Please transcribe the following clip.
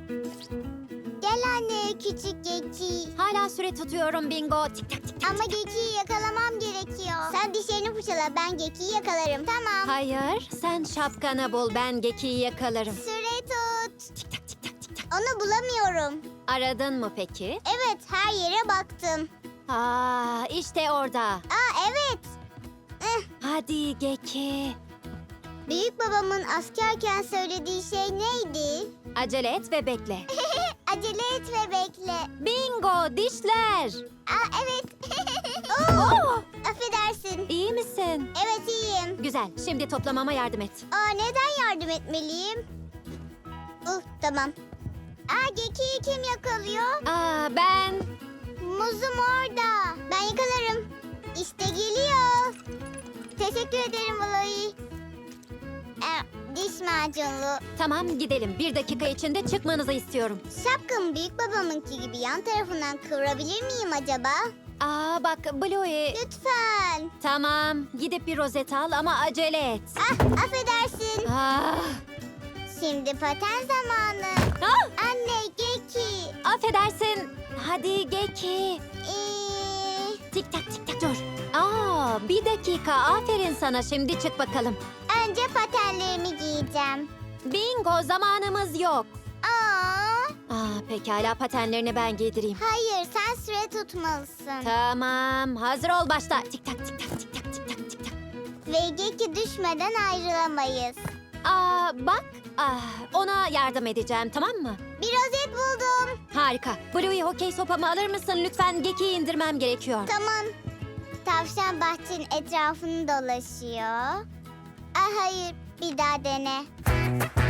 Gel anne küçük Geki. Hala süre tutuyorum Bingo. Tik tak tik tak. Ama Geki'yi yakalamam gerekiyor. Sen dişlerini fırçala, ben Geki'yi yakalarım. Tamam. Hayır, sen şapkanı bul, ben Geki'yi yakalarım. Süre tut. Tik tak tik tak tik tak. Onu bulamıyorum. Aradın mı peki? Evet, her yere baktım. Aa, işte orada. Aa evet. Hadi Geki. Büyük babamın askerken söylediği şey neydi? Acele et ve bekle. Acele et ve bekle. Bingo, dişler. Aa evet. Oh! Affedersin. İyi misin? Evet iyiyim. Güzel, şimdi toplamama yardım et. Aa neden yardım etmeliyim? Tamam. Aa Geki'yi kim yakalıyor? Aa, ben... Muzum orada. Ben yakalarım. İşte geliyor. Teşekkür ederim Valoy. Diş macunlu. Tamam, gidelim. 1 dakika içinde çıkmanızı istiyorum. Şapkamı büyük babamınki gibi yan tarafından kıvırabilir miyim acaba? Aa, bak Bluey. Lütfen. Tamam, gidip bir rozet al ama acele et. Affedersin. Ah, Şimdi paten zamanı. ah, Anne Geki. affedersin. Hadi Geki. Tik tak tik tak dur. Aa, 1 dakika. Aferin sana. Şimdi çık bakalım. Önce patenlerimi giyeceğim. Bingo, zamanımız yok. Aa, Pekala, patenlerini ben giydireyim. hayır sen süre tutmalısın. Tamam, hazır ol başla. Tik tak tik tak tik tak tik tak tik tak. Ve Geki düşmeden ayrılamayız. Bak. Ona yardım edeceğim, tamam mı? Bir rozet buldum. Harika. Bluey, hokey sopamı alır mısın? Lütfen Geki'yi indirmem gerekiyor. Tamam. Tavşan bahçenin etrafını dolaşıyor. Hayır, bir daha dene.